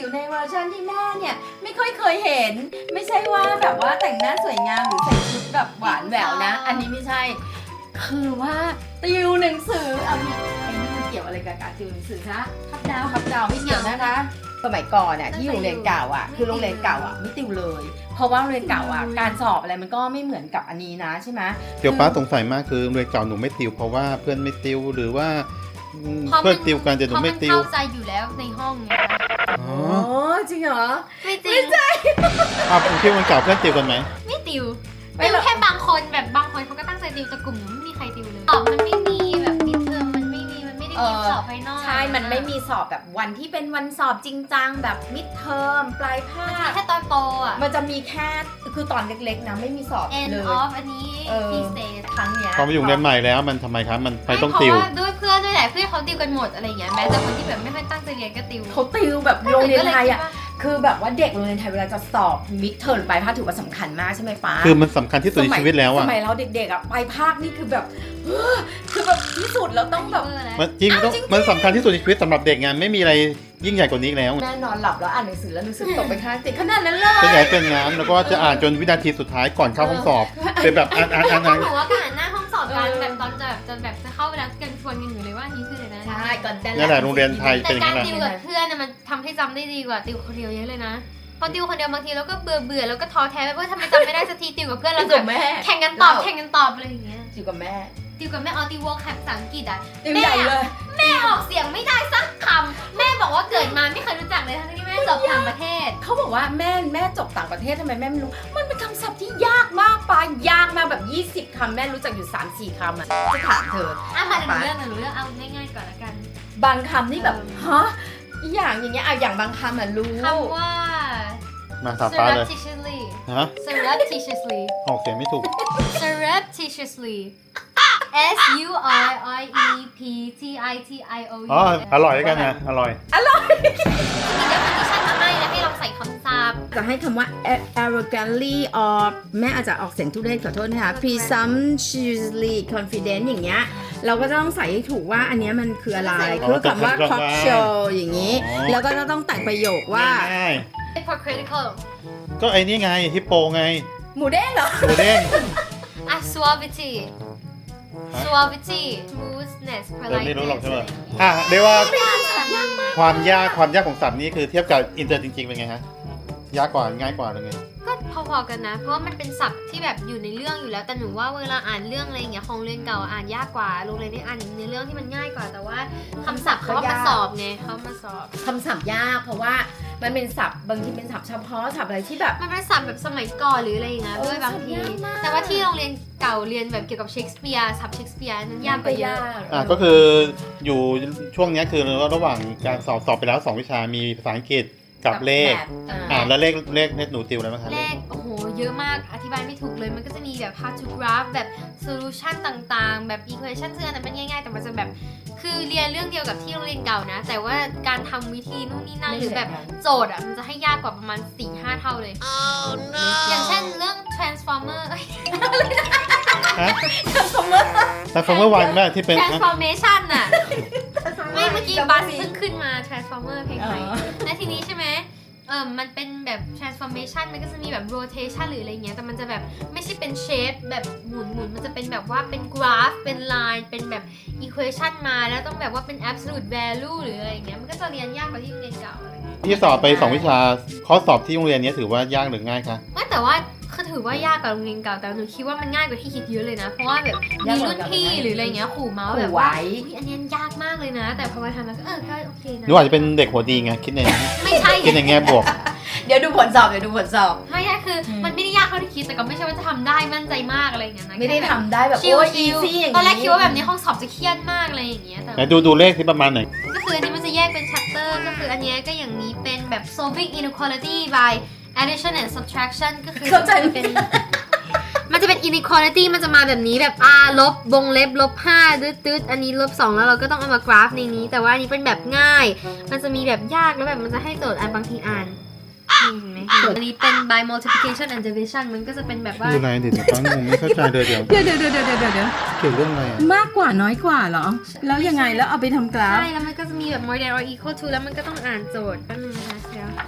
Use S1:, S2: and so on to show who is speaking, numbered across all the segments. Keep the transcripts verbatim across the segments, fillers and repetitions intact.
S1: อยู่ในเวอร์ชันที่แม่เนี่ยไม่ค่อยเคยเห็นไม่ใช่ว่าแบบว่าแต่งหน้าสวยงามหรือใส่ชุดแบบหวานแหววนะอันนี้ไม่ใช่คือว่าติวหนังสือเอาเนี่ยไอ้นี่มันเกี่ยวอะไรกับการติวหนังสือคะทับดาวทับดาวไม่เกี่ยวนะคะสมัยก่อนอ่ะที่อยู่โรงเรียนเก่าอ่ะคือโรงเรียนเก่าอ่ะไม่ติวเลย เพราะว่าโรงเรียนเก่าอ่ะการสอบอะไรมันก็ไม่เหมือนกับอันนี้นะใช่ไหม
S2: เดี๋ยวป้าสงสัยมากคือโรงเรียนเก่าหนูไม่ติวเพราะว่าเพื่อนไม่ติวหรือว่าเพื่อนติวกันแต่หนูไม่ติว
S3: เพราะมันเข้าใจอยู่แล้วในห้องไง
S2: อ๋อ
S1: อ๋อจริงเหรอ
S3: ไม่จริง
S2: อ้าวผมคิดว่าวันเก่าเพื่อนติวกันไหม
S3: ไม่ติว
S1: ไม่
S3: ติว
S1: หรอก
S3: แค่บางคนแบบบางคนเขาก็ตั้งใจติวแต่กลุ่มหนูไม่มีใครติวเลยสอบมันไม่มีแบบมิดเทอมมันไม่มีมันไม่ได้มีสอบไฟนอล
S1: ใช่ มันไม่มีสอบแบบวันที่เป็นวันสอบจริงจังแบบมิดเทอมปลายภาค
S3: แค่ตอนโตอ่ะ
S1: มันจะมีแค่คือตอนเล็กๆนะไม่มีสอบ
S3: end
S1: เลย
S3: of อันนี้
S1: เออ
S3: key stage
S1: ครั้งเนี้ย
S2: พอมาอยู่โรงเรียนใหม่แล้วมันทำไมครับมันไปต้อง
S3: เพ
S2: ติว
S3: ราะว่าด้วยเพื่อนด้วยแหละเพื่อนเขาติวกันหมดอะไรอย่างเงี้ยแม้แต่คนที่แบบไม่ค่อยตั้งใจเรียนก็ติว
S1: เขาติวแบบโรงเรียนไทยอ่ะคือแบบว่าเด็กโรงเรียนไทยเวลาจะสอบมิดเทอมปลายภาคถือว่าสำคัญมากใช่ไหมป้า
S2: คือมันสำคัญที่สุดในชีวิตแล้ว
S1: ส
S2: อ่ะ
S1: มัยเราเด็กๆอ่ะปลายภาคนี่คือแบบ เฮ้อคือแบบที่สุดแล้วต้องแบบ
S2: มันจริงต้องมันสำคัญที่สุดในชีวิตสำหรับเด็กงานไม่มีอะไรยิ่งใหญ่กว่านี้อีกแล้ว
S1: แม่นอนหลับแล้วอ่านหนังสือแล้วหนังสือตกไปข้างติดขนาดนั้นเลย
S2: เป็นใหญ่เป็นงานแล้วก็จะอ่านจนวินาทีสุดท้ายก่อนเข้าห้องสอบเป็นแบบอ่านอ่านอ่าน
S3: พว
S2: อ่าก น
S3: หนูว่าการหน้าห้องสอบกันแบบตอนจะแบบจะแบบจะเข้าไปแล้วกันชวนกันอยู่เลยว่านี่คืออะไรนะ
S1: ใช่ก่อนแต่
S2: นั่นแหละโรงเรียนไทย
S3: แต่การติวกับเพื่อนน่ะมันทำให้จำได้ดีกว่าติวคนเดียวเยอะเลยนะพอติวคนเดียวบางทีเราก็เบื่อเบื่อแล้วก็ท้อแท้ไปว่าทำไมจำไม่ได้สักทีติวกับเพื่อนเรา
S1: ติว
S3: จะ
S1: กับแม่
S3: แข่งกันตอบแข่งกันตอบอะไรอย่างเงี้ย
S1: ติวกับแม่
S3: ติวกับแม่ออติววอลแคปภาษาอังกฤษอ่ะ
S1: ติวใหญ่เลย
S3: แม่ออกเสียงไม่ได้สักคำแม่บอกว่าเกิดมาไม่เคยรู้จักเลยทั้งที่แม่จบต่างประเทศ
S1: เขาบอกว่าแม่แม่จบต่างประเทศทำไมแม่ไม่รู้ มันเป็นคำศัพท์ที่ยากมากปายากมากแบบยี่สิบคำแม่รู้จักอยู่ สามสี่ คำอ่ะจะถามเธอ
S3: อ่ะมาหนูเรื่องหนูเรื่องเอาง่ายๆก่อนละกัน
S1: บางคำนี่แบบฮะอีอย่างอย่างเงี้ยอ่ะอย่างบางคำอ่ะรู้
S3: คำว่า
S2: มาถามป้าเลย
S3: surreptitiously
S2: ฮะ
S3: surreptitiously
S2: ออกเสียงไม่ถูก
S3: surreptitiously S U R I E P T I T I O U
S2: อ๋ออร่อยแล้วกันนะอร่อย
S3: มี definition มาให้แล้วให้ลองใส่คำศัพท์
S1: จะให้คำว่า arrogantly or แม่อาจจะออกเสียงทุเรศขอโทษนะคะ presumptuously confident อย่างเงี้ยเราก็ต้องใส่ให้ถูกว่าอันเนี้ยมันคืออะไร
S2: อ๋อ
S1: คือคำว่า
S2: ต้อง
S1: cock
S2: ว่า
S1: show อย่างงี้
S2: อ๋อ
S1: แล้วก็ต้องแต่งประโยคว่า
S2: ง่าย
S3: hypocritical
S2: ๆก็ไอ้นี่ไงฮิปโปไง
S1: หมูเด้งเหรอ
S2: หมูเด้ง
S3: อ่ะ suavity suavity smoothness
S2: เดี๋ยวไม่รู้หรอก
S3: politeness
S2: ใช่ไหม
S3: อะไรอย่างเงี้ย
S2: อ่ะเรียกว่า
S3: ยากมาก
S2: ความยากความยากของศัพท์นี้คือเทียบกับอินเตอร์จริงๆเป็นไงฮะยากกว่าง่ายกว่าหรือไง
S3: ก็พอๆกันนะ เพราะว่ามันเป็นศัพท์ที่แบบอยู่ในเรื่องอยู่แล้ว แต่หนูว่าเวลาอ่านเรื่องอะไรอย่างเงี้ยของเรียนเก่าอ่านยากกว่าโรงเรียนนี้อ่านในเรื่องที่มันง่ายกว่า แต่ว่าคำศัพท์เขาเอามาสอบไงเขาเอามาสอบ
S1: คำศัพท์ยากเพราะว่ามันเป็นศัพท์บางทีเป็นศัพท์เฉพาะศัพท์อะไรที่แบบ
S3: มันเป็นศัพท์แบบสมัยก่อนหรืออะไรอย่างเงี้ย
S1: เออ
S3: ด้วยบางที
S1: ศัพท์ยากมาก
S3: แต่ว่าที่โรงเรียนเก่าเรียนแบบเกี่ยวกับเชคสเปียร์ศัพท์เชคสเปียร์นั้นยากกว่าเยอะ
S2: อ่ะก็คืออยู่ช่วงเนี้ยคือระหว่างการสอบสอบไปแล้วสองวิชามีภาษาอังกฤษกับเลข
S1: แบบอ่า
S2: อ่าแล้วเลขเลขเลขหนูติวอะไรบ้างคะ
S3: เลขโอ้โหเยอะมากอธิบายไม่ถูกเลยมันก็จะมีแบบ how to graph แบบ solution ต่างๆ แบบ equation ซึ่งอันนั้นมันง่ายๆ แต่มันจะแบบคือเรียนเรื่องเดียวกับที่โรงเรียนเก่านะ แต่ว่าการทำวิธีนู่นนี่นั่นหรือแบบโจทย์อ่ะมันจะให้ยากกว่าประมาณ สี่ห้า เท่าเลย อย่างเช่นเรื่อง transformer เอ้ย
S2: ฮะ
S1: transformer
S2: แต่คำว่าวันแม่ที่เป็น
S3: transformation น่ะ ไม่เมื่อกี้บัสเพิ่งขึ้นมา transformer เพลงใหม่
S1: อ๋อ
S3: และทีนี้ใช่ไหมเออมันเป็นแบบ transformation มันก็จะมีแบบ rotation หรืออะไรเงี้ย แต่มันจะแบบไม่ใช่เป็น shape แบบหมุนหมุนมันจะเป็นแบบว่าเป็น graph เป็น line เป็นแบบ equation มาแล้วต้องแบบว่าเป็น absolute value หรืออะไรเงี้ย มันก็จะเรียนยากกว่าที่โรงเรียนเก่าอะไรเงี้ย
S2: ที่สอบไปสองวิชาข้อสอบที่โรงเรียนนี้ถือว่ายากหรือง่ายคะ
S3: ไม่แต่ว่าคือถือว่ายากกว่าโรงเรียนเก่า แต่หนูคิดว่ามันง่ายกว่าที่คิดเยอะเลยนะ เพราะว่าแบบมีรุ่นพี่หรืออะไรเงี้ยขู่เมาส์แบบว่าอุ๊ยอันนี้ยากมากเลยนะ แต่พอมาทำแล้วก็เออก็โอเคนะ
S2: หนูอาจจะเป็นเด็กหัวดีไงคิดใน
S3: ไม่ใช่
S2: คิดในแง่บวก
S1: เดี๋ยวดูผลสอบเดี๋ยวดูผลสอบ
S3: ไม่ใช่คืออ
S1: ม
S3: มันไม่ได้ยากเท่าที่คิดแต่ก็ไม่ใช่ว่าจะทำได้มั่นใจมากอะไรอย่างเงี้ยนะ
S1: ไม่ได้ทำได้แบบ
S3: ชิว
S1: โอ้ย
S3: ชิ
S1: อี
S3: ว
S1: ซี่อย่าง
S3: ตอนแรกคิดว่าแบบนี้ห้องสอบจะเครียดมากอะไรอย่างเงี้ยแต่
S2: ไหนดูดูเลขที่ประมาณไหน
S3: ก็คืออันนี้มันจะแยกเป็น chapter ก็คืออันเนี้ยก็อย่างนี้เป็นแบบ solving inequality by addition and subtraction ก็คือ
S1: เข้าใจไหม
S3: เป็น มันจะเป็น inequality มันจะมาแบบนี้แบบ r ลบวงเล็บลบห้าตืดตืดอันนี้ลบสองแล้วเราก็ต้องเอามากราฟในนี้ แต่ว่าอันนี้เป็นแบบง่าย มันจะมีแบบยากแล้วแบบมันจะให้โจทย์อ่านบางทีอ่านนี่เห็นไหมอันนี้เป็น by multiplication and division มันก็จะเป็นแบบว่า
S2: ดูอะไรเดี๋ยวฟังงงไม่เข้าใจเลยเดี๋ยว
S1: เดี๋ยวเดี๋ยวเดี๋ยวเดี๋ยวเดี๋ยวเดี๋ยว
S2: เกี่ยวเรื่องอะไรอ่ะ
S1: มากกว่าน้อยกว่าเหรอ แล้วยังไงแล้วเอาไปทำกราฟ
S3: ใช่ แล้วมันก็จะมีแบบ more than or equal to แล้วมันก็ต้องอ่านโจทย์แป๊บนึงนะคะเดี๋ยว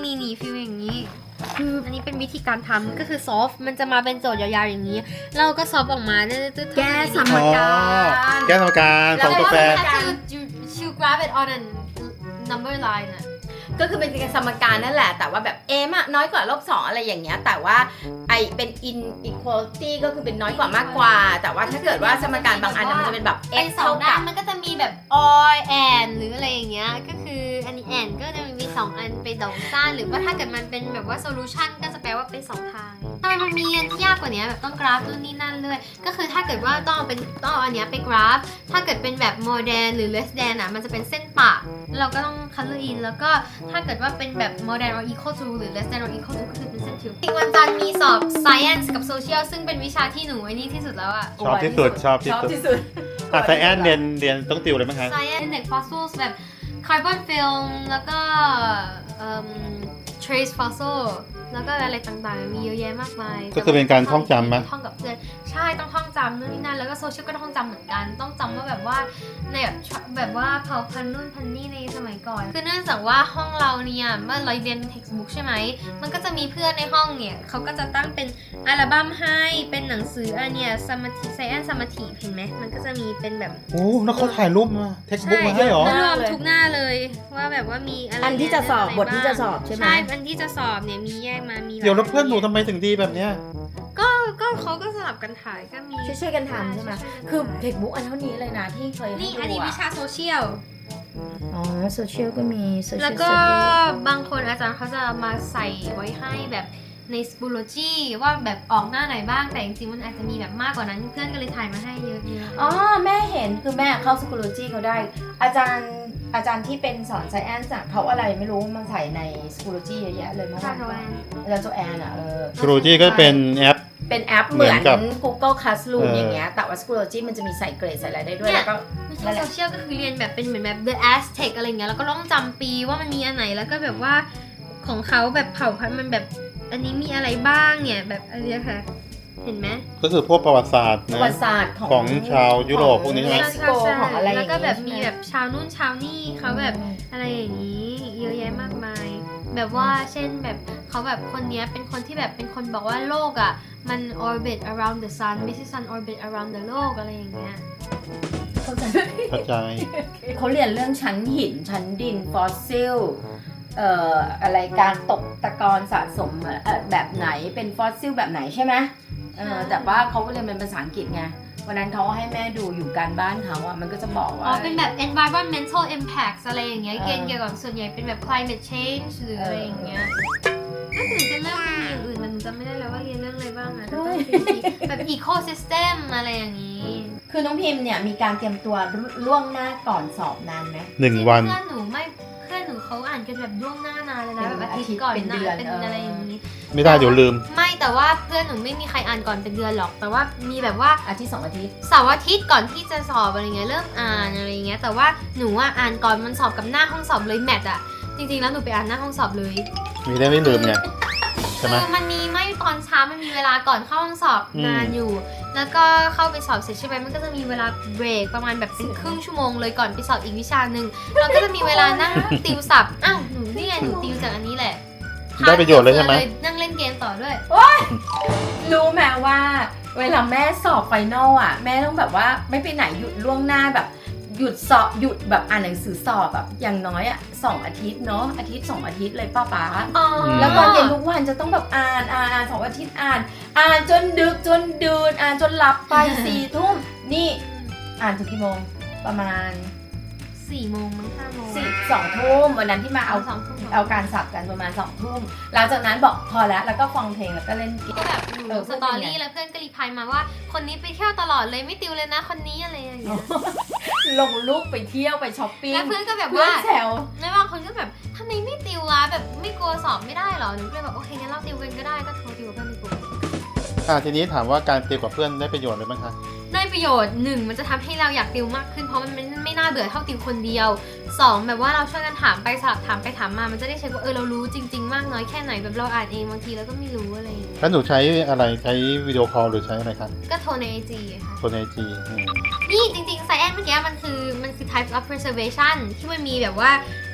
S3: มีหนีฟิลอย่างนี้คืออันนี้เป็นวิธีการทำก็คือซอฟมันจะมาเป็นโจทย์ยาวๆอย่างนี้ เราก็ซอฟออกมาตึ๊ดๆๆ
S1: แก้สม
S2: อ๋อ
S1: การ
S2: แก้สมการสองตัวแปร
S3: ก็คือ you you grab it on a number line อะ
S1: ก็คือเป็นสมการนั่นแหละ แต่ว่าแบบ m อะน้อยกว่าลบสองอะไรอย่างเงี้ยแต่ว่าไอเป็น inequality ก็คือเป็นน้อยกว่ามากกว่า แต่ว่าถ้าเกิดว่าสมการบางอันมันจะเป็นแบบ
S3: เป็น
S1: x
S3: สอ
S1: เท่าง
S3: ด้า
S1: กัน บ
S3: มันก็จะมีแบบ or and หรืออะไรอย่างเงี้ยก็คืออันนี้ and ก็จะมีสองอันเป็นดอกซ่านหรือว่าถ้าเกิดมันเป็นแบบว่า solution ก็จะแปลว่าเป็นสองทางทำไมมันมีอันที่ยากกว่านี้แบบต้องกราฟนู่นนี่นั่นเลยก็คือถ้าเกิดว่าต้องเอาเป็นต้องเอาอันเนี้ยไปกราฟถ้าเกิดเป็นแบบ more than หรือ less than อ่ะมันจะเป็นเส้นปะแล้วเราก็ต้อง color in แล้วก็ถ้าเกิดว่าเป็นแบบ more than or equal to หรือ less than or equal to ก็คือเป็นเส้นทิวอีกวันจันทร์มีสอบ science กับ social ซึ่งเป็นวิชาที่หนูไอ้นี่ที่สุดแล้วอะ
S2: ชอบที่สุดชอบที่
S1: ชอบ
S2: สุด
S1: ที่สุด
S2: อ่ะไซแอนเรียนเรียนต้องติวอะไรบ้างคะ
S3: science เด็ก fossils แบบ carbon film แล้วก็เอิ่ม trace fossil แล้วก็อะไรต่างๆ มีเยอะแยะมากมาย
S2: ก็คือเป็นการท่องจำไหม
S3: ท่องกับเพื่อนใช่ต้องท่องจำนู่นนี่นั่นแล้วก็โซเชียลก็ต้องท่องจำเหมือนกัน ต้องจำว่าแบบว่าในแบบแบบว่าเผ่าพันธุ์นู่นพันธุ์นี่ในสมัยก่อน คือเนื่องจากว่าห้องเราเนี่ยเมื่อเราเรียน textbook ใช่ไหมมันก็จะมีเพื่อนในห้องเนี่ยเขาก็จะตั้งเป็นอัลบั้มให้เป็นหนังสืออันเนี่ยสมาธิไซแอนสมาธิเห็นไหมมันก็จะมีเป็นแบบ
S2: โอ้แล้วเขาถ่ายรูปมาเท็กซ์บุ๊กมาให้เหรอ
S3: รวมทุกหน้าเลยว่าแบบว่ามีอะไร
S1: อันที่จะสอบ
S3: เรื่ง
S1: บทที่จะสอบใช่ไหม
S3: ใช่อันที่จะสอบเนี่ยมีแยกมามี
S2: เดี๋ยวแล้วเพื่อนหนูทำไมถึงดีแบบเนี้ย
S3: ก็ก็เขาก็สลับกันถ่ายก็มี
S1: ช่วยๆกันทำใช่ไหมคือเทคบุ๊กอันเท่านี้เลยนะที่เคยให้
S3: นี่
S1: ดู
S3: อันนี้วิชาโซเชียล
S1: อ๋อโซเชียลก็มีโซเชียล
S3: แล้วก็บางคนอาจารย์เขาจะมาใส่ไว้ให้แบบในสปูโลจีว่าแบบออกหน้าไหนบ้างแต่จริงๆมันอาจจะมีแบบมากกว่านั้นเพื่อนก็เลยถ่ายมาให้เยอะๆ
S1: อ๋อแม่เห็นคือแม่เข้าสกูลจีเขาได้ อาจารย์อาจารย์ที่เป็นสอนไซแอนซ์เขาอะไรไม่รู้มาใส่ในสกูลจีเยอะแยะเลยเมื่อวาน
S3: อาจารย์โจแอน
S1: อาจารย์โจแอนอ่ะเออ
S2: ครูที่ก็เป็นแอป
S1: เป็นแอปเหมือน
S2: เหมือนกับ
S1: Google Classroom
S2: เออ
S1: อ
S2: อ
S1: ย่างเงี้ยแต่ว่า Schoology มันจะมีใส่เกรดใส่อะไรได้ด้วย
S3: เนี่ย
S1: แล้วก็
S3: วิชาโซเชียลก็คือเรียนแบบเป็นเหมือนแบบ The Aztec อะไรเงี้ยแล้วก็ต้องจำปีว่ามันมีอันไหนแล้วก็แบบว่าของเขาแบบเผ่าพันธุ์มันแบบอันนี้มีอะไรบ้างเนี่ยแบบอะไรอะค่ะเห็นไหม
S2: ก็คือพวกประวัติศาสตร์
S1: ประ
S2: นะ
S1: วัติศาสตร์ของ
S2: ของชาวยุโรปพวกนี้ใช่ไหม
S1: เม็กซิโกของอะไรอย่าง
S3: แล้ว
S1: งี้
S3: ก็แบบมี
S1: ใช่ไห
S3: แบบชาวนู่นชาวนี่เขาแบบอะไรอย่างนี้เยอะแยะมากมาย แบบว่าเช่นแบบเขาแบบคนเนี้ยเป็นคนที่แบบเป็นคนบอกว่าโลกอ่ะมัน orbit around the sun ไม่ใช่ sun orbit around the โลกอะไรอย่างเงี้ย
S1: เข้าใจ
S2: เข้าใจ
S1: เขาเรียนเรื่องชั้นหินชั้นดินฟอสซิลเอ่ออะไรการตกตะกอนสะสมเอ่อแบบไหนเป็นฟอสซิลแบบไหนใช่ไหมเออแต่ว่าเขาก็เรียนเป็นภาษาอังกฤษไงวันนั้นเขาให้แม่ดูอยู่การบ้านเขาอะมันก็จะบอก
S3: อ๋
S1: ว่า
S3: อเป็นแบบ environmental impacts อะไรอย่างเงี้ย
S1: เออ
S3: เกณฑ์เกี่ยวกับส่วนใหญ่เป็นแบบ climate change หรืออะไรอย่างเงี้ยก็ถึงจะเริ่มมีอย่างอื่นแต่หนูจำไม่ได้แล้วว่าเรียนเรื่องอะไรบ้างอะแต่ต้องเป็นแบบ ecosystem อะไรอย่างงี้
S1: คือน้องพิมพ์เนี่ยมีการเตรียมตัวล่วงหน้าก่อนสอบนานไหม
S2: หนึ่งวัน
S3: เพื่อนหนูไม่เพื่อนหนูเขาอ่านกันแบบล่วงหน้านานเลยนะ
S1: เป็น
S3: แบบอาทิต
S1: อาทิตย์
S3: ย์ก่อน
S1: เป็น
S3: หน้า
S1: เดือน
S3: เป็น
S1: เอออ
S3: อะไรอย่างนี้
S2: ไม่ได้เดี๋ยวลืม
S3: ไม่แต่ว่าเพื่อนหนูไม่มีใครอ่านก่อนเป็นเดือนหรอก แต่ว่ามีแบบว่า
S1: อาทิตย์สองอาทิตย์
S3: เสาร์อาทิตย์ก่อนที่จะสอบอะไรเงี้ยเริ่มอ่านอะไรเงี้ยแต่ว่าหนูอ่ะอ่านก่อนมันสอบกับหน้าห้องสอบเลยแมทอ่ะจริงๆแล้วหนูไปอ่านหน้าห้องสอบเลย
S2: มีได้ไม่ลืมไงใช่ไหม
S3: คือมันมีไม่ตอนเช้ามันมีเวลาก่อนเข้าห้องสอบ
S2: อืม
S3: นานอยู่ แล้วก็เข้าไปสอบเสร็จใช่ไหมมันก็จะมีเวลาเบรกประมาณแบบเป็นครึ่งชั่วโมงเลยก่อนไปสอบอีกวิชาหนึ่งเราก็จะมีเวลานั่งติวศัพท์อ้าวหนูนี่ไงหนูติวจากอันนี้แหละ
S2: ได้ประโยชน์เลยใช่ไหม
S3: นั่งเล่นเกมต่อด้วย
S1: รู้ไหมว่าเวลาแม่สอบไฟนอลอ่ะแม่ต้องแบบว่าไม่ไปไหนหยุดล่วงหน้าแบบหยุดสอบหยุดแบบอ่านหนังสือสอบแบบอย่างน้อยอ่ะสองอาทิตย์เนาะอาทิตย์สองอาทิตย์เลยป้าป๊า
S3: อ๋อ
S1: แล้วตอนเย็นทุกวันจะต้องแบบอ่านอ่านอ่านสองอาทิตย์อ่าน อ่านจนดึกจนดื่นอ่านจนหลับไป สี่ทุ่มนี่อ่านถึงกี่โมงประมาณ
S3: สี่โมงมั้งห้าโมง
S1: สี่สองทุ่มวันนั้นที่มาเอา
S3: สองทุ่ม
S1: เอาการสับกันประมาณสองทุ่มหลังจากนั้นบอกพอแล้วแล้วก็ฟังเพลงแล้วก็เล่นเก
S3: ก็
S1: ม
S3: แบบห
S1: เอ
S3: นู
S1: อ
S3: สตอรี่แล้วเพื่อนก็รีพลายมาว่า คนนี้ไปเที่ยวตลอดเลยไม่ติวเลยนะคนนี้อะไรอย่างเงี้ย
S1: ลงรูปไปเที่ยวไปช้อปปิ้ง
S3: แล้วเพื่อนก็แบบ
S1: เพื่อ
S3: ว่าน
S1: แซว
S3: แล้วบางคนก็แบบทำไมไม่ติววะแบบไม่กลัวสอบไม่ได้เหรอหนูก็เลยแบบโอเคงั้นเราติวกันก็ได้ก็โทรติวกับเพื่อนในกลุ่ม
S2: อ่าทีนี้ถามว่าการติวกับเพื่อนได้ประโยชน์อะไรบ้างคะ
S3: ได้ประโยชน์หนึ่งมันจะทำให้เราอยากติวมากขึ้นเพราะมันไม่ไม่น่าเบื่อเท่าติวคนเดียวสองแบบว่าเราช่วยกันถามไปสลับถามไปถามมามันจะได้เช็คว่าเออเรารู้จริง ๆ มากน้อยแค่ไหนแบบเราอ่านเองบางทีเราก็ไม่รู้อะไรอย่างเงี้ย
S2: แล้วหนูใช้อะไรใช้วิดีโอคอลหรือใช้อะไรคะ
S3: ก็โทรในไอจีค่ะ
S2: คนไอจี
S3: นี่จริงๆ science เมื่อกี้มันคือมันคือ types of preservation ที่มันมีแบบว่า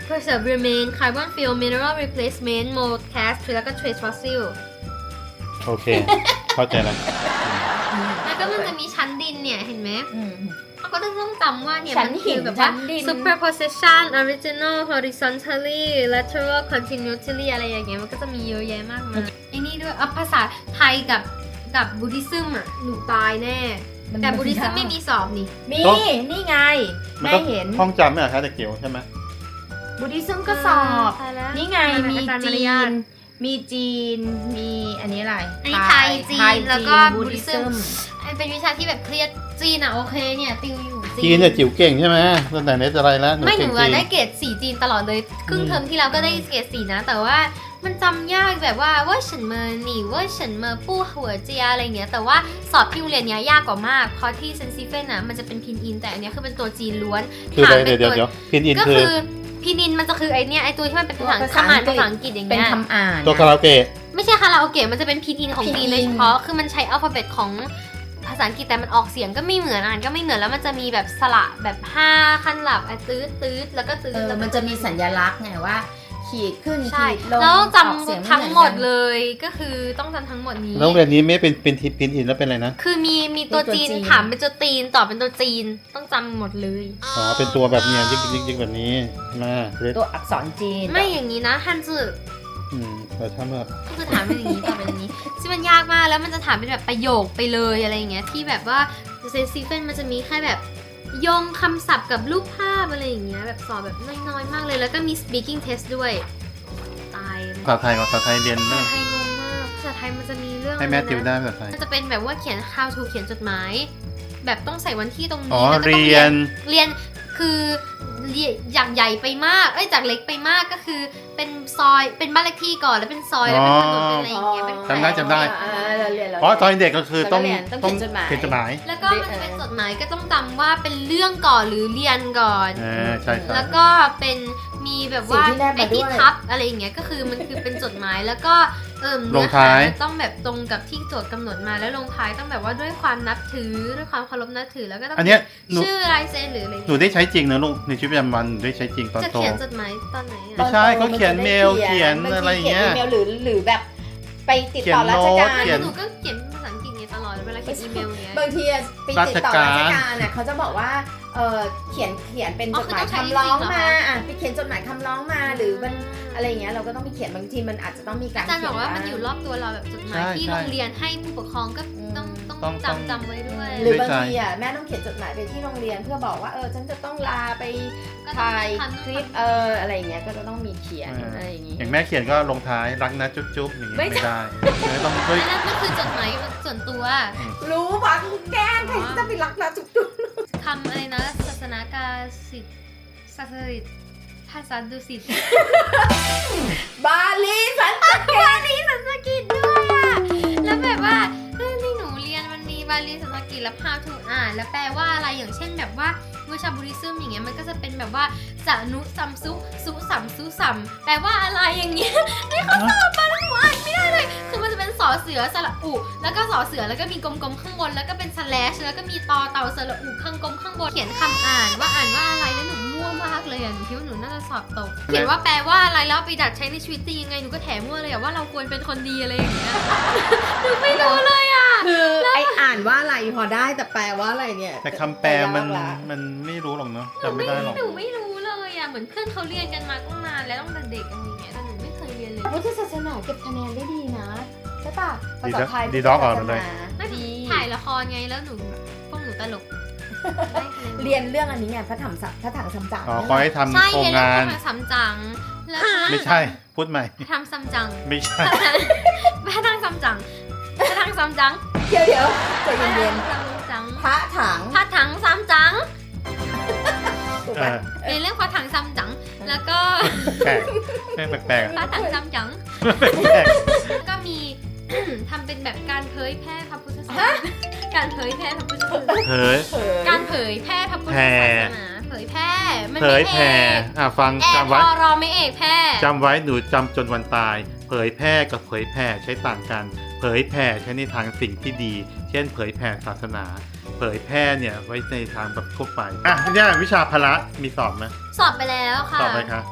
S3: preserve remain carbon fill mineral replacement mold cast แล้วก็ trace fossil
S2: โอเค เข้าใจแล้ว
S3: แล้วก็มันจะมีชั้นดินเนี่ยเห็นไหม
S1: อืม
S3: เราก็ต้องจำว่าเนี่ย
S1: ชั้น
S3: มัน
S1: หิ
S3: คื
S1: น
S3: อแบบ
S1: ชั้
S3: ว่า
S1: นดิน
S3: superposition original horizontally lateral continuity อะไรอย่างเงี้ยมันก็จะมีเยอะแยะมากมายไอ้นี่ด้วยเอาภาษาไทยกับกับบุดิซึมอ่ะหนูตายแน่
S1: มัน
S3: แต่บุดิซึมไม่มีสอบนี่
S1: มี
S2: ต้อง
S1: นี่ไง
S2: มัน
S1: แม่
S2: ก็
S1: เห็น
S2: ท่องจำไม่เหรอคะแต่เกี่ยวใช่ไหม
S1: บุดิซึมก็สอบ
S3: ตายแล้ว
S1: นี่ไงมี
S3: อาจารย์มา
S1: จี
S3: ริยาท
S1: น มีจีน มีอันนี้อะไร
S3: อันนี้ไทยจีน
S1: ไทย
S3: แล้วก็
S1: บุ
S3: บุ
S1: ดิ
S3: ดิ
S1: ซึ
S3: ซึ
S1: ม
S3: มเป็นวิชาที่แบบเครียดจีนอ่ะโอเคเนี่ยติวอยู่
S2: จีนเนี่ยจิ๋วเก่งใช่ไหมตั้งแต่เนสอะไรแล้วหนู
S3: ไม่ห
S2: เก่
S3: นู
S2: ง
S3: อะ
S2: จีน
S3: ได้เกรดสี่จีนตลอดเลยครึ่งเทอมที่แล้วก็ได้เกรดสี่นะ แต่ว่ามันจำยากแบบว่าว่าฉันเมอหนีว่าฉันเมอปู้หัวเจียอะไรเงี้ยแต่ว่าสอบที่โรงเรียนเนี้ยยากกว่ามากเพราะที่เซนซิเฟนนะมันจะเป็นพินอินแต่อันเนี้ยคือเป็นตัวจีนล้วน
S2: คืออะไร
S3: ถาม
S2: เดี๋ยว
S3: ป็น
S2: เดี๋ยว
S3: ตัว
S2: เดี๋ยวพินอิน
S3: ก็
S2: คือ
S3: คือพินอินมันจะคือไอเนี้ยไอตัวที่มันเป็นภาษา
S1: ภาษา
S3: คำอ่าน
S1: อังกฤษ
S3: ภาษาอังกฤษอย่าง
S1: เป็น
S3: เงี้ย
S1: คำอ่าน
S2: ตัวคาราโอเกะ
S3: ไม่ใช่คาราโอเกะมันจะเป็นพินอินของจีน
S1: Pinyin
S3: โดยเฉพาะคือมันใช้อัลฟาเบตของภาษาอังกฤษแต่มันออกเสียงก็ไม่เหมือนอ่านก็ไม่เหมือนแล้วมันจะมีแบบสระแบบห้าขั้นหลับอ่ะตื้อตื้อแล้วก็ตื้อ
S1: เออ
S3: แล้วก็
S1: มันจะมีสัญลักษณ์ไงว่า ขีดขึ้น
S3: ใช่
S1: ขีดลง
S3: แล้วต้อง
S1: ออกเสีย
S3: จำทั้งหมด
S1: ไอนกัน
S3: เลยก็คือต้องจำทั้งหมดนี้
S2: แล้วโรงเรียนนี้ไม่เป็นเป็นทิพินอินแล้วเป็นอะไรนะ
S3: คือมีมีตัว
S1: เป็นตัว
S3: จีน
S1: จีน
S3: ถามเป็นตัวจีนตอบเป็นตัวจีนต้องจำหมดเลย
S2: อ๋อเป็นตัวแบบเนี้ยยิกยิกยิกแบบนี้มาเล็ก
S1: ตัวอักษรจีน
S3: ไม่อย่างนี้นะฮันจือ
S2: อืมแต่ถ้าแบบ
S3: ก็คือถามเป็นอย่างนี้ตอบเป็นอย่างนี้ซึ่งมันยากมากแล้วมันจะถามเป็นแบบประโยคไปเลยอะไรอย่างเงี้ยที่แบบว่าเซนซิเฟนมันจะมีแค่แบบโยงคำศัพท์กับรูปภาพอะไรอย่างเงี้ยแบบสอบแบบน้อยๆมากเลยแล้วก็มี speaking test ด้วยตายเลย
S2: ภาษาไทยกับภาษาไทยเรียน
S3: ภา
S2: เรื่
S3: ษา
S2: อง
S3: ไทยงงมากภาษาไทยมันจะมีเรื่อง
S2: ให้แม่
S3: อะไรนะ
S2: ติวได้ภาษาไทย
S3: มันจะเป็นแบบว่าเขียน how to เขียนจดหมาย แบบต้องใส่วันที่ตรง
S2: อ๋อ
S3: นี้แล้วก็ต้อง
S2: เรียน
S3: เรียนคือเรียนจากใหญ่ไปมากเอ้ยจากเล็กไปมากก็คือเป็นซอยเป็นบ้านเลขที่ก่อนแล้วเป็นซอยแล้วเป็นถนนเป็นอะไรอย่างเงี้ยเป็นแขวง
S2: จำได้จำได้
S1: อ่าเราเรียนเรา
S2: เพราะตอนเด็กก็คือต้อง
S1: เราเรียนต้องเขียนจดหมาย
S2: เขียนจดหมาย
S3: แล้วก็มันจะเป็นจดหมายก็ต้องจำว่าเป็นเรื่องก่อนหรือเรียนก่อน
S2: อ่าใช่ใช่
S3: แล้วก็เป็นมีแบบว่า
S1: สิ่งที่แนบมา
S3: ไอ้ที่
S1: ด้วย
S3: ทับอะไรอย่างเงี้ยก็คือมันคือเป็นจดหมายแล้วก็เอิ่ม
S2: ล
S3: เนื้
S2: ง
S3: อหา
S2: ท้าย
S3: มันต้องแบบตรงกับที่โจทย์กำหนดมาแล้วลงท้ายต้องแบบว่าด้วยความนับถือด้วยความเคารพนับถือแล้วก็ต้อง
S2: อันเนี้ยหนู
S3: ชื่อลายเซ็นหรืออะไร
S2: หนูได้ใช้จริงนะลูกในชีวิตประจำวันหนูได้ใช้จริงตอน
S3: จะ
S2: โต
S3: เขียนจดหมายตอนไหน
S2: ไม่
S3: อะ
S2: ใช่เขาเขียนเมลเขียน
S1: บางที
S2: อะไรอย่างเงี้ย
S1: ขีนอีเมลหรือหรือแบบไปติดต่อราชการ
S2: เขียน
S3: หนูก็เขียนภาษาอังกฤษไงตลอดเวลาเขียนอีเมลเงี้ย
S1: บางทีอะไปติดต่อราชการน่ะเขาจะบอกว่าเออเขียนเขียนเป็น
S3: อ๋
S1: จ
S3: อ
S1: ด
S3: คือ
S1: หมาย
S3: ต้องใช้
S1: คำร้อง
S3: จริงๆเหรอ
S1: มาอ่ะไปเขียนจดหมายคำร้องมาหรือมันอะไรอย่างเงี้ยเราก็ต้องไปเขียนบางทีมันอาจจะต้องมีการ
S3: อาจารย์บอกว่ามันอยู่ร
S1: ร
S3: อบตัวเราแบบจดหมาย
S2: ใช่
S3: ที่
S2: ใช่
S3: โรงเรียนให้ผู้ปกครองก็ต้องต้อง
S2: ต้องต้อง
S3: จำจำไว้ด้วย
S1: หรือบาง
S2: ใช่
S1: ทีอ่ะแม่ต้องเขียนจดหมายไปที่โรงเรียนเพื่อบอกว่าเออฉันจะต้องลาไป
S3: ก็ต้อง
S1: ถ่าย
S3: ทำ
S1: คลิปเอออะไรอย่างเงี้ยก็จะต้องมีเขียนอะไรอย่างงี้
S2: อย่างแม่เขียนก็ลงท้ายรักนะจุ๊บจุ๊บอย่างเงี้ย
S1: ไม่
S2: ไม่ได้ไม่ต้องช่วย
S3: อันนั้นก็คือจดหมายส่วนตัว
S1: รู้ปะกูแกล้งใครจะไปรักนะจุ๊บจุ๊บ
S3: คำอะไรนะศาสนากาสิทธิ์ศาสนิตภาษาดุสิต
S1: บาลีสัน
S3: บาลีสันสกฤตด้วยอ่ะแล้วแบบว่าเรื่องที่หนูเรียนมันมีบาลีสันสกฤตแล้ว how to อ่านแล้วแปลว่าอะไรอย่างเช่นแบบว่าวิชาบุริซึมอย่างเงี้ยมันก็จะเป็นแบบว่าสานุสัมซุสุสัมซุสัมแปลว่าอะไรอย่างเงี้ยนี่เขาสอบมาแล้วหนูอ่านไม่ได้เลยคือมันจะเป็นสอเสือสระอุแล้วก็สอเสือแล้วก็มีกลมๆข้างบนแล้วก็เป็น slash แล้วก็มีตอเต่าสระอุข้างกลมข้างบนเขียนคำอ่านว่าอ่านว่าอะไรแล้วหนูมั่วมากเลยอ่ะหนูคิดว่าหนูน่าจะสอบตกเขียนว่าแปลว่าอะไรแล้วเอาไปดัดใช้ในชีวิตจริงยังไงหนูก็แถมมั่วเลยอ่ะว่าเราควรเป็นคนดีอะไรอย่างเงี้ย หนูไม่รู้เลยอ่ะ
S1: คือไออ่านว่าอะไรพอได้แต่แปลว่าอะไรเนี่ย
S2: แต่คำแปลมัน
S1: ยากละ
S2: มันไม่รู้หรอกเนาะ
S3: หนู
S2: จำไม่
S3: ไม่
S2: ได้หรอก
S3: หนูไม่รู้เลยอ่ะเหมือนเพื่อนเขาเรียนกันมาตั้งนานแล้วตั้งแต่เด็กอะไรอย่างเงี้ยแต่หนูไม่เคยเรียนเลย
S1: พุทธศาสนาเก็บคะแนนได้ดีนะใช่ป่ะภาษาไทย
S2: ดีด็อกก่อนเลย
S3: ไม่
S1: ดี
S3: ถ่ายละครไงแล้วหนูพวกหนูตลกได้คะแนน
S1: เรียนเรื่องอันนี้ไงพระถังสัพระถังซัมจั๋ง
S2: อ๋อคอยให้ทำ
S3: ใช่
S2: โครง
S3: เรียนเรื่
S2: งา
S3: อน งทำซัมจังแล้ว
S2: ไม่ใช่พูดใหม่
S3: ทำซัมจัง
S2: ไม่ใช่
S3: พระทังซัมจังพระทังซัมจัง
S1: เดี๋ยวเดี๋ยวใจ
S3: พระ
S1: เย็น
S3: ทังซัมจัง
S1: ๆพระถัง
S3: พระถังซัมจัง
S1: ถูก
S2: เอ
S1: ปะ
S2: อ
S3: เรียนเรื่องพระถังซัมจังแล้วก็
S2: แปลกแม่งแปลกๆ
S3: พ
S2: อะ
S3: ระถังซัมจัง
S2: แปลก
S3: แล้วก็มี ทำเป็นแบบการเผยแพร่พระพุทธศาสนาการเผยแพร่พระพุทธศาสนา
S2: ๆเผย
S1: เผย
S3: การเผยแพร่พระพุทธศาสนาเผยแพร่มัน
S2: เผ
S3: ไม่
S2: ยแผ่
S3: เอก
S2: อ่ะฟัง
S3: แอร์
S2: จำ
S3: พ
S2: ไว้
S3: อรอไม่เอกแพร่
S2: จำไว้หนูจำจนวันตาย เผยแพร่กับเผยแผ่ใช้ต่างกัน เผยแผ่ใช้ในทางสิ่งที่ดี เช่น เผยแผ่ศาสนา เผยแพร่เนี่ยไว้ในทางแบบทั่วไปอ่ะเนี่ยวิชาพละมีสอบไหม
S3: สอบไปแล้วค่ะ
S2: สอบไหมคะ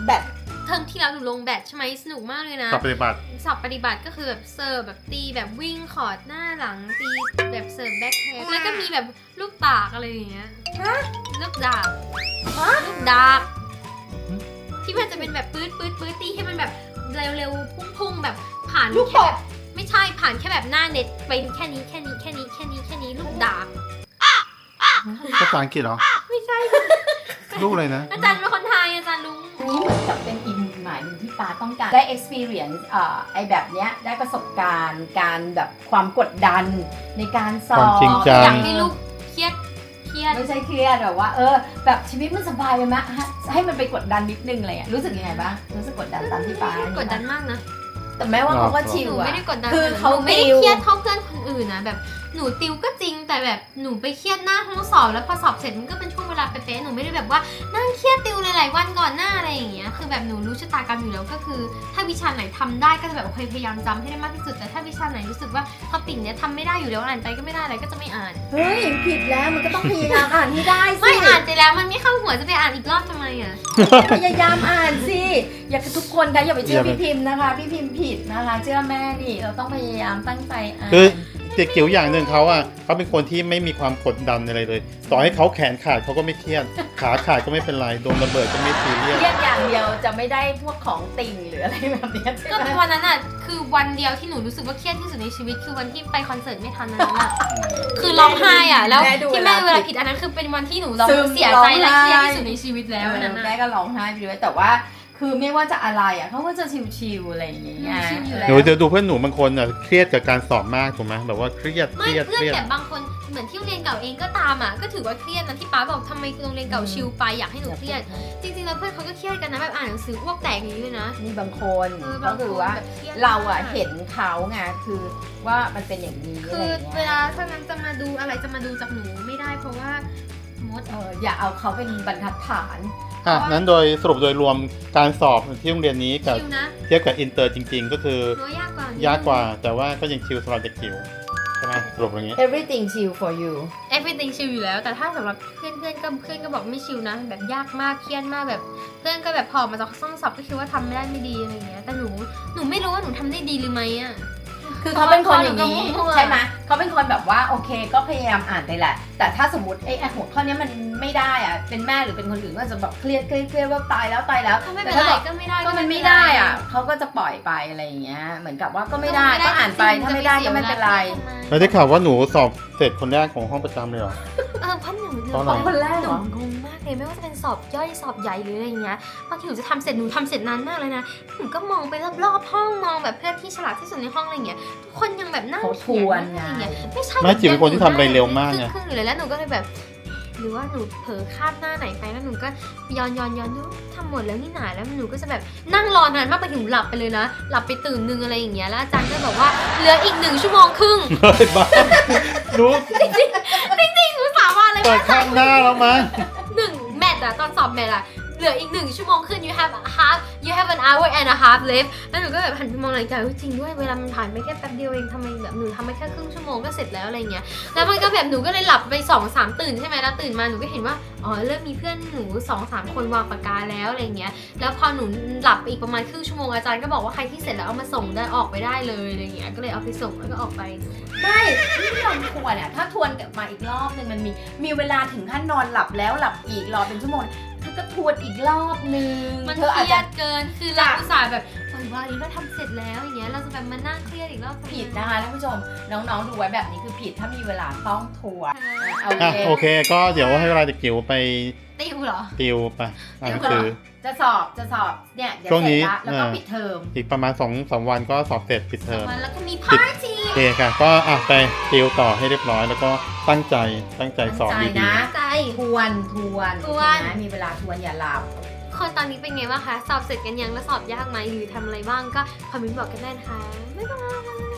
S1: แบต
S3: เทอมที่แล้วหนูลงแบดใช่ไหมสนุกมากเลยนะ
S2: สอบปฏิบัติ
S3: สอบปฏิบัติก็คือแบบเสิร์ฟแบบตีแบบวิ่งคอร์ดหน้าหลังตีแบบเสิร์ฟแบ็คเฮดแล้วก็มีแบบลูกตากอะไรอย่างเงี้ย
S1: ฮะ
S3: ลูกดาบ
S1: ฮะ
S3: ลูกดาบที่มันจะเป็นแบบปื๊ดปื๊ดปื๊ดตีให้มันแบบเร็วๆพุ่งๆแบบผ่าน
S1: ลูก
S3: แค่
S1: ต
S3: แบบ บไม่ใช่ผ่านแค่แบบหน้าเน็ตไปแค่นี้แค่นี้แค่นี้แค่นี้แค่นี้ลูกดาบ
S2: ภาษาอังกฤษเหรอ
S3: ไม่ใช่
S2: ลูกอะไรนะ
S3: อาจารย์เป็นคนไทยอาจารย์ลุง
S1: นี่เหมือนกับเป็นอีกมุมหมายหนึ่งที่ปาต้องการได้ experience เอ่อไอแบบเนี้ยได้ประสบการณ์การแบบความกดดันในการสอ
S2: ความ
S1: บ
S2: จริงจัง
S3: อยากให้ลูกเครียดเครียด
S1: ไม่ใช่เครียดแบบว่าเออแบบชีวิตมันสบายไปไหมฮะให้มันไปกดดันนิดนึงอะไรอ่ะรู้สึกยังไงบ้างรู้สึกกดดันตามที่ปาก
S3: ดดันมากนะ
S1: แต่แม้ว่าเขาก็ชิ
S3: ห
S1: ล
S3: นู
S1: อะ
S3: ไม่ได้กดดัน
S1: คือเขา
S3: หนูไม่ได้
S1: ติว
S3: เครียดเท่าเพื่อนคนอื่นนะแบบหนูติวก็จริงแต่แบบหนูไปเครียดหน้าห้องสอบแล้วพอสอบเสร็จมันก็เป็นช่วงเวลาเป๊ะๆหนูไม่ได้แบบว่านั่งเครียดติวหลายๆวันก่อนหน้าอะไรอย่างเงี้ยคือแบบหนูรู้ชะตากรรมอยู่แล้วก็คือ ถ้าวิชาไหนทำได้ก็จะแบบโอเคพยายามจำให้ได้มากที่สุดแต่ถ้าวิชาไหนรู้สึกว่าท็อปิกเนี้ยทำไม่ได้อยู่แล้วอ่านไปก็ไม่ได้อะไรก็จะไม่อ่าน
S1: เฮ้ยผิดแล้วมันก็ต้องพยายามอ่านให้ได้สิ
S3: ไม่อ่านไปแล้วมันไม่เข้าหัวจะไปอ่านอีกรอบทำไมอ่ะ
S1: พยายามอ่านสิอย่าทุกคนนะอย่าไปเชื่อ
S2: อย่าไป
S1: พี่พิมพ์นะคะ พี่พิมพ์ผิดนะคะเชื่อแม่ดิเราต้องพยายามตั้งใจอ่าน
S2: คือเด็กจิ๋วอย่างหนึ่งเขาอ่ะเขาเป็นคนที่ไม่มีความกดดันอะไรเลย ต่อให้เขาแขนขาดเขาก็ไม่เครียด ขาขาดก็ไม่เป็นไร โดนระเบิดก็ไม่ซีเรียส
S1: เครียดอย่างเดียวจะไม่ได้พวกของติ่งหรืออะไรแบบเนี้ยใช่
S3: ก็
S1: ไหม
S3: วันนั้นอ่ะคือวันเดียวที่หนูรู้สึกว่าเครียดที่สุดในชีวิตคือวันที่ไปคอนเสิร์ตไม่ทันนั้นอ่ะ คือร้องไห้อ่ะแล้วที่แม่เวลาผิดอันนั้นคือเป็นวันที่หนูร้องเสียใจและเครียดที่สุดในชีวิตแล้วอันนั้น
S1: แม่
S3: อ่ะ
S1: ก็ร้องไห้ไปด้วยแต่ว่าคือไม่ว่าจะอะไรอ่ะเขาก็จะชิวๆอะไรอย่างเงี้ย
S3: ชิลอยู่
S2: ห
S3: แล้
S2: นู
S3: ว
S2: จะดูเพื่อนหนูบางคนอ่ะเครียดกับการสอบมากถูกไหมแบบว่าเครียดเค
S3: ไม่
S2: รียด
S3: เพื่
S2: เค
S3: อน
S2: รียด
S3: แบบบางคนเหมือนที่โรงเรียนเก่าเองก็ตามอ่ะก็ถือว่าเครียดนะที่ป้าบอกทำไมโรงเรียนเก่าชิลไปอยากให้หนูเครียดจริงๆแล้วเพื่อนเขาก็เครียดกันนะแบบอ่านหนังสืออ้วกแตกอย่างนี้เลยนะ
S1: นี่บางคน
S3: เออ
S1: ก็
S3: บาง
S1: คือ
S3: คน
S1: ว่า
S3: แบบเครียด
S1: เราอะ
S3: มก
S1: เห็นเขาไงคือว่ามันเป็นอย่างนี้
S3: คื
S1: อะไร
S3: อ
S1: อย่าง
S3: เว
S1: เงี้ย
S3: ลาถ้างั้นจะมาดูอะไรจะมาดูจากหนูไม่ได้เพราะว่ามด
S1: เอออย่าเอาเขาเป็นบรรทัดฐาน
S2: อ่ะนั้นโดยสรุปโดยรวมการสอบที่โรงเรียนนี้กับ
S3: ชิลนะ
S2: เทียบกับอินเตอร์จริง ๆ ก็คือ
S3: หนูว่ายากกว่านิดนึง
S2: ยากกว่า แต่ว่าก็ยังชิลสำหรับเด็กจิ๋วใช่ไหมสรุปอย่างนี้
S1: everything chill for you
S3: everything ชิลอยู่แล้ว แต่ถ้าสำหรับเพื่อนเพื่อนๆก็เพื่อนก็บอกไม่ชิลนะ แบบยากมากเครียดมากแบบ เพื่อนก็แบบพอมาจากห้องสอบก็คิดว่าทำไม่ได้ไม่ดีอะไรเงี้ยแต่หนูหนูไม่รู้ว่าหนูทำได้ดีหรือไม่อ่ะ
S1: คือเขาเป็นคนอย่างนี้
S3: เขาก็มั่วๆ
S1: ใช่ไหมเขาเป็นคนแบบว่าโอเคก็พยายามอ่านไปแหละ แต่ถ้าสมมติไอ้ไอ้หัวข้อเนี้ยมันไม่ได้อะเป็นแม่หรือเป็นคนอื่นก็จะแบบเครียดเครียดเครียดว่าตายแล้วตายแล้ว
S3: ถ้าไม่เป็น
S1: แต่
S3: ไร
S1: ถ้าบอก
S3: ก็ไม่ได้
S1: ก็มันไม่ได้อ่ะเขาก็จะปล่อยไปอะไรอย่างเงี้ยเหมือนกับว่าก็ไม่ได้ก็อ่านไปถ้าไม่ได้ก็ไม่เป็นไร
S2: แล้วได้ข่าวว่าหนูสอบเสร็จคนแรกของห้องประจำเลยเหรอ
S3: เออเพราะหนู
S2: เพราะอะไร
S1: คนแรก
S3: ห
S1: เหร
S3: นู
S1: อ
S3: งงมากเลยไม่ว่าจะเป็นสอบย่อยสอบใหญ่หรืออะไรเงี้ยบางทีหนูจะทำเสร็จหนูทำเสร็จนานมากเลยนะหนูก็มองไปรอบๆห้องมองแบบเพื่อนที่ฉลาดที่สุดในห้องอะไรเงี้ยทุกคนยังแบบนั่ง
S1: เขาท
S3: เขีย
S1: วน
S3: น
S1: ไง
S3: อะไรเงี้ยไม่ใช่
S2: ไม่จิ๋วเป็นคนที่ทำอะไรเร็วมากไง
S3: ครึ่งๆอยู่เลยแล้วหนูก็เลยแบบ หรือว่าหนูเผลอคาบหน้าไหนไปแล้วหนูก็ย้อนย้อนย้อนดูทำหมดแล้วนี่หนาแล้วหนูก็จะแบบนั่งรอนานมากไปถึงหลับไปเลยนะหลับไปตื่นนึงอะไรอย่างเงี้ยแล้วอาจารย์ก็บอกว่าเหลืออีกหนึ่งชั่วโมงครึ่ง
S2: เฮ้ยบ้ารู้
S3: จริงๆหนูสาบานเลย
S2: เปิ
S3: ว่า
S2: ดข้างหน้าแล้วมั้ง
S3: หนึ่งแมตช์อะตอนสอบแมตช์อะเหลืออีกหนึ่งชั่วโมงขึ้น you have a half you have an hour and a half left แล้วหนูก็แบบหันไปมองนาฬิกาจริงด้วยเวลามันผ่านไปแค่แป๊บเดียวเองทำไมแบบหนูทำไปแค่ครึ่งชั่วโมงก็เสร็จแล้วอะไรเงี้ยแล้วมันก็แบบหนูก็เลยหลับไปสองสามตื่นใช่ไหมแล้วตื่นมาหนูก็เห็นว่าอ๋อเริ่มมีเพื่อนหนูสองสามคนวางปากกาแล้วอะไรเงี้ยแล้วพอหนูหลับไปอีกประมาณครึ่งชั่วโมงอาจารย์ก็บอกว่าใครที่เสร็จแล้วเอามาส่งได้ออกไปได้เลยอะไรเงี้ยก็เลยเอาไปส่งแล้วก็ออกไป
S1: ไม่ที่เราทวนอ่ะถ้าทวนกลับมาอีกรอบหนึ่งมันมีมีเวลาถึงขั้นนอนหลับแล้วหลับอีกรอเป็นชั่วโมงเธอก็ทวนอีกรอบนึง
S3: มัน
S1: เธ
S3: เค
S1: ออาจ
S3: รีย
S1: จะ
S3: ดเกิน คือเราอุตส่าห์แบบวันวันนี้เราทำเสร็จแล้วอย่างเงี้ย เราจะแบบมานั่งเครียดอีกรอบทำไม
S1: ผิดนะคะท่านผู้ชมน้องๆดูไว้แบบนี้คือผิดถ้ามีเวลาต้องทวนเอา
S2: อ่ะ
S1: เลย
S2: โอเค ก็เดี๋ยวให้เวลาเด็กจิ๋วไป
S3: ติวเหรอ
S2: ติวไปอ่านหนังสือ
S1: จะสอบจะสอบเนี่ยเดี๋ยว
S2: ช่วง
S1: เสร็
S2: นี้
S1: จละแล้วก็
S2: เออ
S1: ปิดเทอม
S2: อีกประมาณสองสามวันก็สอบเสร็จปิดเทอม
S3: วันแล้วก็มีพาร์ตี้
S2: โอเคค่ะ ก็อ่ะไปติวต่อให้เรียบร้อย แล้วก็ตั้งใจตั้งใจสอบ
S1: ตั้งใจ
S2: ดี
S1: นะ
S3: ใจ
S1: ทวนทวน
S3: ทวน
S1: นะมีเวลาทวนอย่าหลับ
S3: คนตอนนี้เป็นไงบ้างคะ สอบเสร็จกันยังแล้วสอบยากไหมหรือทำอะไรบ้างก็คอมเมนต์บอกกันได้นะคะ บ๊ายบาย